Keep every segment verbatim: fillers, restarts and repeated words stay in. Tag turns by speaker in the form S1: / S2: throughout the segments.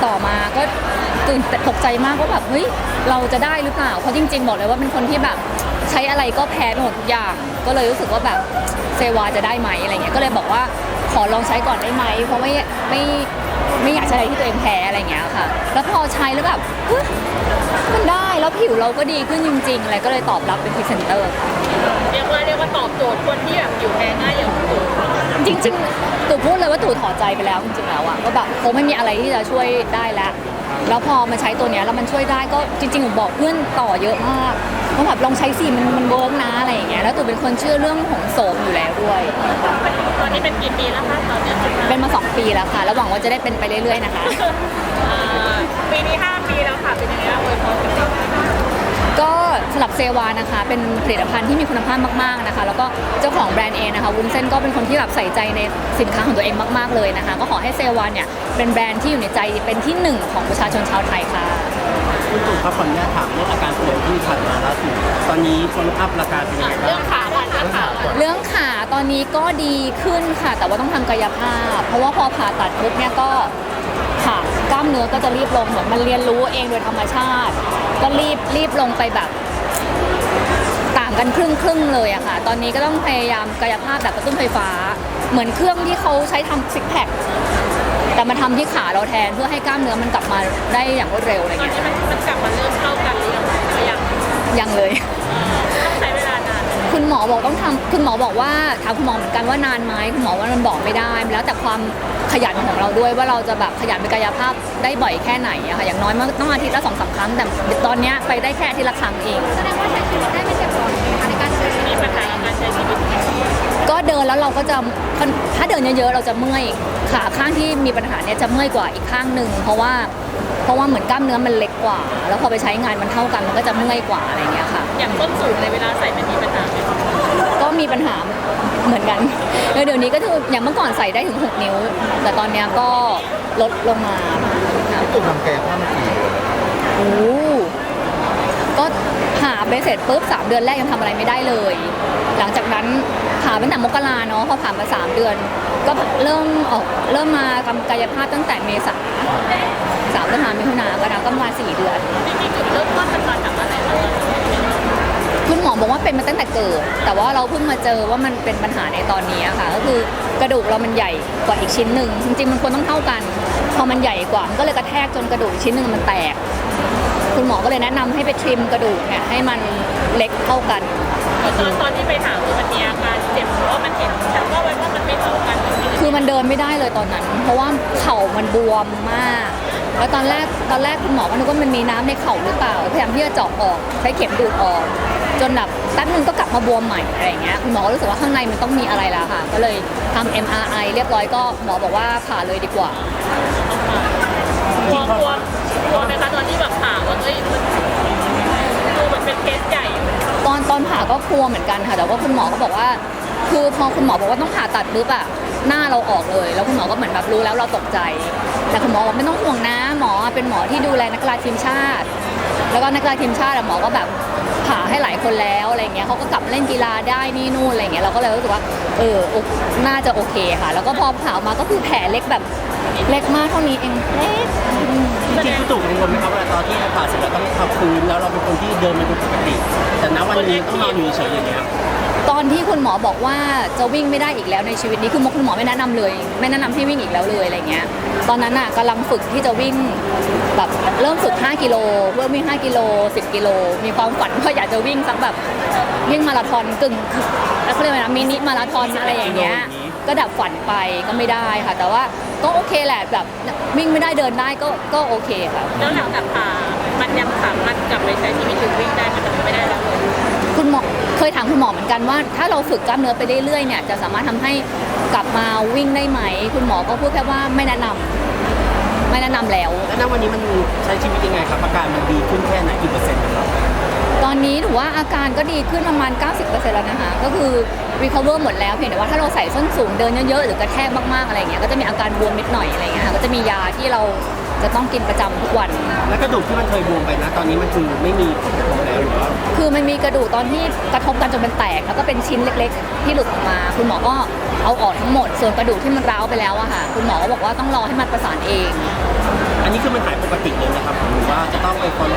S1: ต่อมาก็ตื่นตกใจมากว่าแบบเฮ้ยเราจะได้หรือเปล่าเพราะจริงๆบอกเลยว่าเป็นคนที่แบบใช้อะไรก็แพ้หมดทุกอย่างก็เลยรู้สึกว่าแบบเซวาจะได้ไหมอะไรเงี้ยก็เลยบอกว่าขอลองใช้ก่อนได้ไหมเพราะไม่ไม่ไม่อยากใช้อะไรที่ตัวเองแพ้อะไรเงี้ยค่ะแล้วพอใช้แล้วแบบเฮ้ยมันได้แล้วผิวเราก็ดีขึ้นจริงๆอะไรก็เลยตอบรับเป็นพรีเซนเตอร์ค่ะ
S2: เรียกว่าเรียกว่าตอบโจทย์คนที่แบบอยู่แพ้ง่ายอย่างตู่
S1: จริงๆตู่พูดเลยว่าตู่ถอดใจไปแล้วจริงๆแล้วอะก็แบบคงไม่มีอะไรที่จะช่วยได้แล้วแล้วพอมาใช้ตัวเนี้ยแล้วมันช่วยได้ก็จริงๆผมบอกเพื่อนต่อเยอะมากว่าแบบลองใช้สิมันมันเวิร์กนะอะไรอย่างเงี้ยแล้วตู่เป็นคนเชื่อเรื่องของโสมอยู่แล้วด้วย
S2: ตอนนี้เป็นกี่ปีแล้วคะตอนนี้
S1: เป็นมาสองปีแล้วค่ะแล้วหวังว่าจะได้เป็นไปเรื่อยๆนะคะ
S2: อ่าปีนี้ห้าปีแล้วค่ะเป็นยังไงบ้างอวยพรกันบ้าง
S1: ก็สำหรับเซวานะคะเป็นผลิตภัณฑ์ที่มีคุณภาพมากๆนะคะแล้วก็เจ้าของแบรนด์เองนะคะวุ้นเส้นก็เป็นคนที่แบบใส่ใจในสินค้าของตัวเองมากๆเลยนะคะก็ขอให้เซวาเนี่ยเป็นแบรนด์ที่อยู่ในใจเป็นที่หนึ่งของประชาชนชาวไทยค่ะ
S3: คุณตู่ครับขออนุญาตถามเรื่องอาการป่วยที่ผ่านมาล่าสุดตอนนี้คนอัพราคาเป็นยังไงบ้าง
S2: เรื่องขาก่อนเรื่องขาก่อน
S1: เรื่องขาตอนนี้ก็ดีขึ้นค่ะ แต่ว่าต้องทำกายภาพ เพราะว่าพอผ่าตัดปุ๊บเนี่ยก็ขากล้ามเนื้อก็จะรีบลงเหมือนมันเรียนรู้เองโดยธรรมชาติ ก็รีบรีบลงไปแบบต่างกันครึ่งครึ่งๆเลยอะค่ะ ตอนนี้ก็ต้องพยายามกายภาพแบบกระตุ้นไฟฟ้า เหมือนเครื่องที่เขาใช้ทำซิกแพคแต่มาทำที่ขาเราแทนเพื่อให้กล้ามเนื้อมันกลับมาได้อย่างรวดเร็วอะไร
S2: ตอน
S1: เงี้ย
S2: นี้มันมันกลับมาเริ่มเข้ากันหรือยังหรือยัง
S1: ยังเลย
S2: ต้องใช้เวลานาน
S1: คุณหมอบอกต้องทำคุณหมอบอกว่าถามคุณหมอเหมือนกันว่านานไหมคุณหมอว่ามันบอกไม่ได้แล้วแต่ความขยันของเราด้วยว่าเราจะแบบขยันไปกายภาพได้บ่อยแค่ไหนอะค่ะอย่างน้อยมันต้องอาทิตย์ละสองสามครั้งแต่ตอนเนี้ยไปได้แค่อาทิตย์ละครั้งเอง
S2: แสดงว่าใช้ชีวิตได้ไม่เจ็บปวดในการใช้มีปัญหาในการใช้ชีวิต
S1: ก็เดินแล้วเราก็จะถ้าเดินเยอะๆเราจะเมื่อยขาข้างที่มีปัญหาเนี่ยจะเมื่อยกว่าอีกข้างหนึ่งเพราะว่าเพราะว่าเหมือนกล้ามเนื้อมันเล็กกว่า แล้วพอไปใช้งานมันเท่ากันมันก็จะเมื่อยกว่าอะไรเงี้ยค่ะ
S2: อย่างต้นสูงในเวลาใส่มันมีปัญหาไหม
S1: ก็มีปัญหาเหมือนกันแล้วเดี๋ยวนี้ก็คืออย่างเมื่อก่อนใส่ได้ถึงหกนิ้ว แต่ตอนเนี้ยก็ลดลงมาค่ะ
S3: ตู่ทำกายภาพมากี่เดือน
S1: โอ้ก็ผ่าไปเสร็จปุ๊บสามเดือนแรกยังทำอะไรไม่ได้เลย หลังจากนั้นผ่าตั้งแต่มกราเนาะพอผ่านมาสามเดือน ก็เริ่มออกเริ่มมาทำกายภาพตั้งแต่เมษาสามพฤษภามิถุนากรกฎาคมก็ประมาณสี่เดือน
S2: จริงๆจุดเริ่มต้นมันมาจากอะไรคะ
S1: คุณหมอบอกว่าเป็นมาตั้งแต่เกิด แต่ว่าเราเพิ่งมาเจอว่ามันเป็นปัญหาในตอนนี้ค่ะ ก็คือกระดูกเรามันใหญ่กว่าอีกชิ้นหนึ่งจริงๆมันควรต้องเท่ากัน พอมันใหญ่กว่ามันก็เลยกระแทกจนกระดูกอีกชิ้นหนึ่งมันแตก คุณหมอก็เลยแนะนำให้ไปทริมกระดูกเนี่ยให้มันเล็กเท่ากัน
S2: ตอนตอนที่ไปถามคือมันมีอาการเจ็บเพราะว่ามันเห็นฉันว่าไว้ว่ามันไม่เท่ากัน
S1: คือมันเดินไม่ได้เลยตอนนั้น เพราะว่าเข่ามันบวมมาก แล้วตอนแรกตอนแรกคุณหมอก็นึกว่ามันมีน้ำในเข่าหรือเปล่าพยายามที่จะเจาะออกใช้เข็มดูดออก จนแบบแป๊บนึงก็กลับมาบวมใหม่อะไรอย่างเงี้ยคุณหมอก็รู้สึกว่าข้างในมันต้องมีอะไรแล้วค่ะ ก็เลยทำ เอ็ม อาร์ ไอ เรียบร้อยก็หมอบอกว่าผ่าเลยดีกว่า
S2: กลัวกลัวกลัวไหมคะตอนที่แบบผ่าว่าเอ้ยมันดูเหมือนเป็นเคสใหญ่
S1: ตอนตอนผ่าก็กลัวเหมือนกันค่ะแต่ว่าคุณหมอก็บอกว่า คือพอคุณหมอบอกว่าต้องผ่าตัดปุ๊บอะหน้าเราออกเลย แล้วคุณหมอก็เหมือนแบบรู้แล้วเราตกใจ แต่คุณหมอบอกไม่ต้องห่วงนะหมอเป็นหมอที่ดูแลนักกีฬาทีมชาติ แล้วก็นักกีฬาทีมชาติอะหมอก็แบบผ่าให้หลายคนแล้วอะไรเงี้ยเขาก็กลับมาเล่นกีฬาได้นี่นู่นอะไรเงี้ยเราก็เลยรู้สึกว่าเออโอน่าจะโอเคค่ะ แล้วก็พอผ่าออกมาก็คือแผลเล็กแบบเล็กมากเท่านี้เองเล็ก
S3: จริงๆคุณตู่กังวลไหมครับว่าตอนที่ผ่าเสร็จแล้วต้องพักฟื้นแล้วเราเป็นคนที่เดินมาดูปกติ แต่ณวันนี้ต้องนอนอยู่เฉยๆอย่างเงี้ย
S1: ตอนที่คุณหมอบอกว่าจะวิ่งไม่ได้อีกแล้วในชีวิตนี้คือคุณหมอไม่แนะนำเลย ไม่แนะนำให้วิ่งอีกแล้วเลยอะไรเงี้ยตอนนั้นอ่ะกำลังฝึกที่จะวิ่งแบบเริ่มฝึกห้ากิโลเพื่อวิ่งห้ากิโลสิบกิโลมีความฝันว่าอยากจะวิ่งสักแบบวิ่งมาราธอนกึ่งแล้วเขาเรียกว่านะมินิมาราธอนอะไรอย่างเงี้ยก็ดับฝันไปก็ไม่ได้ค่ะ แต่ว่าก็โอเคแหละแบบวิ่งไม่ได้เดินได้ก็ก็โอเคค่ะ
S2: แล้วหลังจากผ่ามันยังสามารถกลับไปใช้ชีวิตหรือวิ่งได้มันจะไม่ได้แล้วเลย
S1: คุณหมอเคยถามคุณหมอเหมือนกันว่า ถ้าเราฝึกกล้ามเนื้อไปเรื่อยๆเนี่ยจะสามารถทำให้กลับมาวิ่งได้ไหม คุณหมอก็พูดแค่ว่าไม่แนะนำไม่แนะนำแล้ว
S3: แล้วณวันนี้มันใช้ชีวิตยังไงครับอาการมันดีขึ้นแค่ไหนกี่เปอร์เซ็นต์ครับ
S1: ตอนนี้ถือว่าอาการก็ดีขึ้นประมาณ เก้าสิบเปอร์เซ็นต์ แล้วนะคะก็คือ recover หมดแล้วเพียงแต่ว่าถ้าเราใส่ส้นสูงเดินเยอะๆหรือกระแทกมากๆอะไรเงี้ยก็จะมีอาการบวมนิดหน่อยอะไรเงี้ยค่ะก็จะมียาที่เราจะต้องกินประจำทุกวัน
S3: แล้วกระดูกที่มันเคยบวมไปนะตอนนี้มันคือไม่มีผลกระทบแล้วหรือว่า
S1: คือมันมีกระดูกตอนที่กระทบกันจนมันแตก แล้วก็เป็นชิ้นเล็กๆ ที่หลุดออกมา คุณหมอก็เอาออกทั้งหมด ส่วนกระดูกที่มันร้าวไปแล้วอะค่ะ คุณหมอก็บอกว่าต้องรอให้มันประสานเอง
S3: อันนี้คือมัน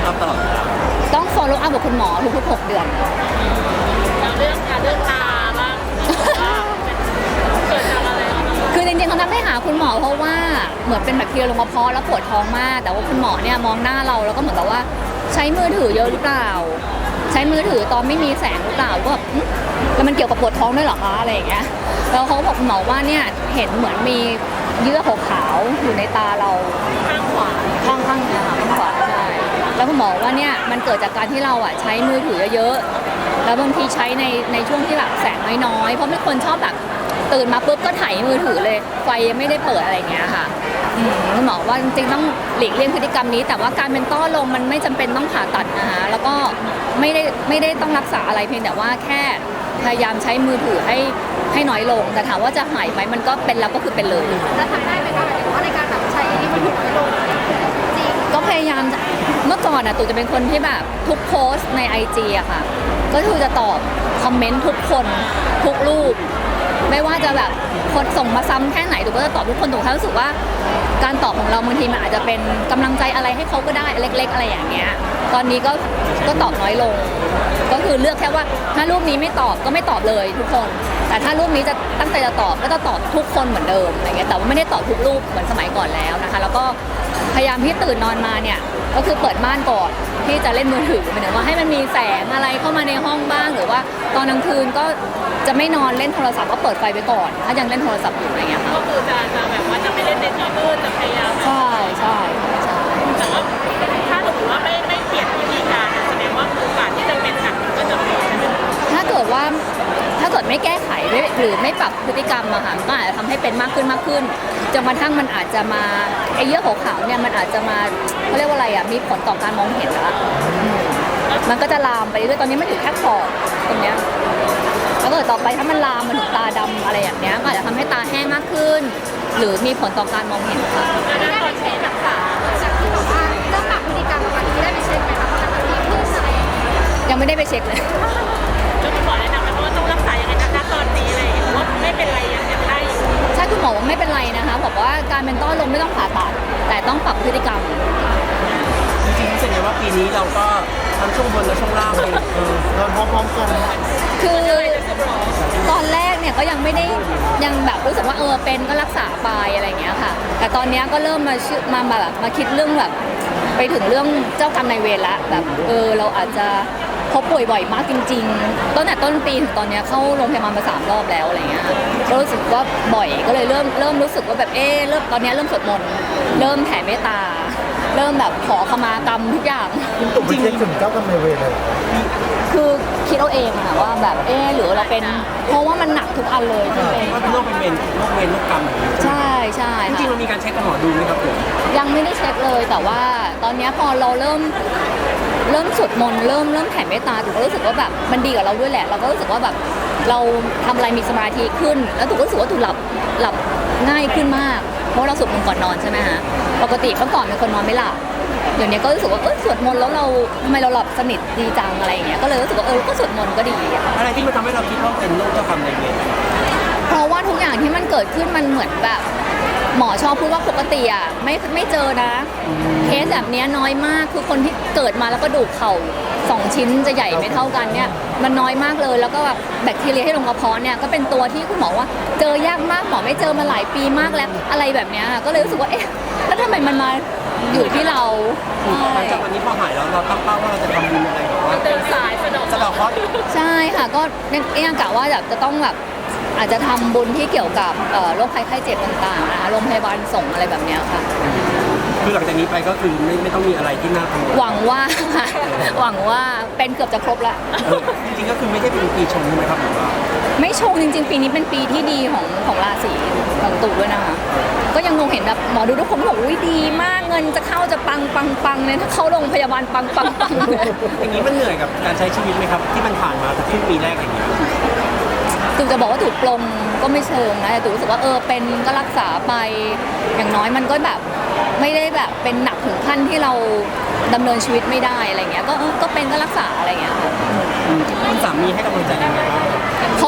S3: อัพตลอดเวลา
S1: ต้อง follow up กับคุณหมอทุกๆหกเดือน
S2: แล้วเรื่องการเรื่องตาบ้างเกิดจากอะไร
S1: คือจริงๆเขาทำให้หาคุณหมอเพราะว่าเหมือนเป็นแบคทีเรียลงกระเพาะแล้วปวดท้องมาก แต่ว่าคุณหมอเนี่ยมองหน้าเราแล้วก็เหมือนกับว่าใช้มือถือเยอะหรือเปล่า ใช้มือถือตอนไม่มีแสงหรือเปล่าก็แบบอื้อแล้วมันเกี่ยวกับปวดท้องด้วยเหรอคะอะไรอย่างเงี้ยแล้วเขาก็บอกคุณหมอว่าเนี่ยเห็นเหมือนมีเยื่อขาวๆอยู่ในตาเรา
S2: ข้างขวา
S1: ข้างข้างเนี่ยค่ะข้างขวาใช่แล้วคุณหมอว่าเนี่ยมันเกิดจากการที่เราอ่ะใช้มือถือเยอะๆแล้วบางทีใช้ในในช่วงที่แบบแสงน้อยๆเพราะมีคนชอบแบบตื่นมาปุ๊บก็ถ่ายมือถือเลยไฟยังไม่ได้เปิดอะไรอย่างเงี้ยค่ะอืมคุณหมอว่าจริงๆต้องหลีกเลี่ยงพฤติกรรมนี้ แต่ว่าการเป็นต้อลมมันไม่จำเป็นต้องผ่าตัดนะคะแล้วก็ไม่ได้ไม่ได้ต้องรักษาอะไรเพียงแต่ว่าแค่พยายามใช้มือถือให้ให้น้อยลงแต่ถามว่าจะหายไหมมันก็เป็นแล้วก็คือเป็นเลย
S4: แล้วทำได้ไหมคะหมายถึงว่าในการแบบใช้มือถือน้อยลงจริง
S1: ก็พยายามจะเมื่อก่อนอ่ะตู่จะเป็นคนที่แบบทุกโพสต์ในไอจีอะค่ะ ก็คือจะตอบคอมเมนต์ทุกคนทุกรูป ไม่ว่าจะแบบคนส่งมาซ้ำแค่ไหนตู่ก็จะตอบทุกคนตู่แค่รู้สึกว่าการตอบของเราบางทีมันอาจจะเป็นกำลังใจอะไรให้เขาก็ได้เล็ก ๆ อะไรอย่างเงี้ย ตอนนี้ก็ก็ตอบน้อยลง ก็คือเลือกแค่ว่าถ้ารูปนี้ไม่ตอบก็ไม่ตอบเลยทุกคน แต่ถ้ารูปนี้จะตั้งใจจะตอบก็จะตอบทุกคนเหมือนเดิมอะไรเงี้ยแต่ว่าไม่ได้ตอบทุกรูปเหมือนสมัยก่อนแล้วนะคะ แล้วก็พยายามที่ตื่นนอนมาเนี่ยก็คือเปิดม่านก่อนที่จะเล่นมือถือหมายถึงว่าให้มันมีแสงอะไรเข้ามาในห้องบ้าง หรือว่าตอนกลางคืนก็จะไม่นอนเล่นโทรศัพท์ก็เปิดไฟไว้ก่อน ถ้ายังเล่นโทรศัพท์อยู่อะไรเงี้ยค่ะ
S2: ก็คือจะจะแบบว่าจะไม่เล่นในที่มืดจะพยายาม
S1: ใช่ใช่ใช่
S2: แต่ว่าถ้าสมมติว่าไม่ไม่เปลี่ยนวิธีการแสดงว่าโอกาสที่จะเป็นหนักมันก็จะมีใช่ไหม
S1: ถ้าเกิดว่าถ้าเกิดไม่แก้ไขไม่หรือไม่ปรับพฤติกรรมอะค่ะมันก็อาจจะทำให้เป็นมากขึ้นมากขึ้นจนกระทั่งมันอาจจะมาไอ้เยื่อขาวๆเนี่ยมันอาจจะมาเขาเรียกว่าอะไรอะมีผลต่อการมองเห็นละอืมมันก็จะลามไปเรื่อยๆตอนนี้มันอยู่แค่ขอบตรงเนี้ยแล้วเกิดต่อไปถ้ามันลามมาถึงตาดำอะไรอย่างเงี้ยก็อาจจะทำให้ตาแห้งมากขึ้น หรือมีผลต่อการมองเห็นค่ะ
S4: ได้ไปเช็ครักษาจากที่แบบว่าเรื่องปรับพฤติกรรมประมาณนี้ได้ไปเช็คไหมคะว่ามันดีขึ้นอะไรอย่างเงี้ย
S1: ยังไม่ได้ไปเช็คเลย
S2: แล้วคุณหมอแนะนำไหมว่าต้องรักษายังไงนะณตอนนี้อะไรอย่างเงี้ยว่าไม่เป็นไรยังยังได้อยู่
S1: ใช่คุณหมอว่าไม่เป็นไรนะคะบอกว่าการเป็นต้อลมไม่ต้องผ่าตัดแต่ต้องปรับพฤติกรรม
S3: จริงๆรู้สึกไงว่าปีนี้เราก็ทั้งช่วงบนและช่วงล่างเลยเออเราพร้อมๆกัน
S1: คือตอนแรกเนี่ยก็ยังไม่ได้ยังแบบรู้สึกว่าเออเป็นก็รักษาไปอะไรอย่างเงี้ยค่ะ แต่ตอนเนี้ยก็เริ่มมาชื่อมามาแบบมาคิดเรื่องแบบไปถึงเรื่องเจ้ากรรมนายเวรละแบบเออเราอาจจะเขาป่วยบ่อยมากจริงๆตั้งแต่ต้นปีถึงตอนเนี้ยเข้าโรงพยาบาลมาสามรอบแล้วอะไรเงี้ยก็รู้สึกว่าบ่อยก็เลยเริ่มเริ่มรู้สึกว่าแบบเออเริ่มตอนเนี้ยเริ่มสวดมนต์เริ่มแผ่เมตตา เริ่มแบบขอขมากรรมทุกอย่าง
S5: คุณตุ่มไปเช็คถึงเจ้ากรรมนายเวรเลยเหรอ
S1: คือคิดเอาเองอะค่ะว่าแบบเออหรือเราเป็นเพราะว่ามันหนักทุกอันเลยที่เป็น
S3: ว่าโรคเป็นเวรโรคเวรโรคกรรมอย่างนี้
S1: ใช่ใช่
S3: จริงๆ
S1: ค่ะ
S3: เรามีการเช็คกับหมอดูไหมครับผม
S1: ยังไม่ได้เช็คเลยแต่ว่าตอนเนี้ยพอเราเริ่มเริ่มสวดมนต์เริ่มเริ่มแผ่เมตตาถูกก็รู้สึกว่าแบบมันดีกับเราด้วยแหละ เราก็รู้สึกว่าแบบเราทำอะไรมีสมาธิขึ้น แล้วถูกก็รู้สึกว่าถูกหลับหลับง่ายขึ้นมาก เพราะว่าเราสวดมนต์ก่อนนอนใช่ไหมฮะปกติเมื่อก่อนเป็นคนนอนไม่หลับเดี๋ยวนี้ก็รู้สึกว่าเออสวดมนต์แล้วเราทำไมเราหลับสนิทดีจังอะไรอย่างเงี้ยก็เลยรู้สึกว่าเออก็สวดมนต์ก็ดีอะ
S3: อะไรที่มันทำให้เราคิดว่าเป็นโรคเจ้ากรรมนายเวร
S1: เพราะว่าทุกอย่างที่มันเกิดขึ้นมันเหมือนแบบ หมอชอบพูดว่าปกติอ่ะไม่ไม่เจอนะ เคสแบบเนี้ยน้อยมากคือคนที่เกิดมาแล้วก็ดูกเข่าสองชิ้นจะใหญ่ไม่เท่ากันเนี่ยมันน้อยมากเลยแล้วก็แบบแบคทีเรียที่ลงกระเพาะเนี่ยก็เป็นตัวที่คุณหมอว่าเจอยากมากหมอไม่เจอมาหลายปีมากแล้วอะไรแบบเนี้ยก็เลยรู้สึกว่าเอ๊ะแล้วทำไมมันมาอยู่ที่เรา
S3: หลังจากวันนี้พอหายแล้วเราตั้งเป้าว่าเราจะทำบุญอะไรแบบว่า
S2: เดินสายสะดอก
S3: สะเดอกเคราะห์
S1: ใช่ค่ะก็เนี่ยกะว่าแบบจะต้องแบบอาจจะทำบุญที่เกี่ยวกับเอ่อโรคภัยไข้เจ็บต่างๆนะคะโรงพยาบาลส่งอะไรแบบเนี้ยค่ะ
S3: คือหลังจากนี้ไปก็คือไม่ไม่ต้องมีอะไรที่น่ากังวล
S1: หวังว่า หวังว่าเป็นเกือบจะครบละ
S3: เออจริงๆก็คือไม่ได้เป็นปีชงใช่ไหมครับหรือว่า
S1: ไม่ชงจริงๆ ปีนี้เป็นปีที่ดีของของราศีของตู่ด้วยนะคะก็ยังคงเห็นแบบหมอดูทุกคนบอกอุ้ยดีมากเงินจะเข้าจะปังปังปังเลยถ้าเข้าโรงพยาบาลปังปังปังเลย
S3: อย่างนี้มันเหนื่อยกับการใช้ชีวิตไหมครับที่มันผ่านมาครึ่งปีแรกอย่างเงี้ย
S1: ตู่จะบอกว่าถูกปลงก็ไม่เชิงนะแต่ตู่รู้สึกว่าเออเป็นก็รักษาไปอย่างน้อยมันก็แบบไม่ได้แบบเป็นหนักถึงขั้นที่เราดำเนินชีวิตไม่ได้อะไรเงี้ยก็เออก็เป็นก็รักษาอะไรเงี้ยค่ะ
S3: อืมคุณสามีให้กำลังใจยังไงบ้าง
S1: เขา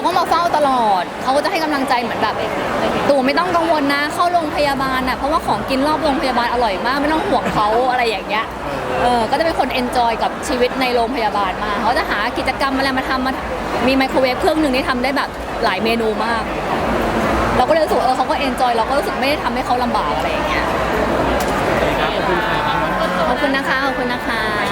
S1: ก็มาเฝ้าตลอดเขาก็จะให้กำลังใจเหมือนแบบตู่ไม่ต้องกังวลนะเข้าโรงพยาบาลน่ะเพราะว่าของกินรอบโรงพยาบาลอร่อยมากไม่ต้องห่วงเขาอะไรอย่างเงี้ยเออก็จะเป็นคนเอนจอยกับชีวิตในโรงพยาบาลมากเขาจะหากิจกรรมอะไรมาทำมามีไมโครเวฟเครื่องหนึ่งที่ทำได้แบบหลายเมนูมาก เราก็เลยรู้สึกว่าเออเขาก็เอนจอยเราก็รู้สึกไม่ได้ทำให้เขาลำบากอะไรอย่างเงี้ย
S3: ขอบคุณครับ
S1: ขอบคุณนะคะขอบคุณนะคะ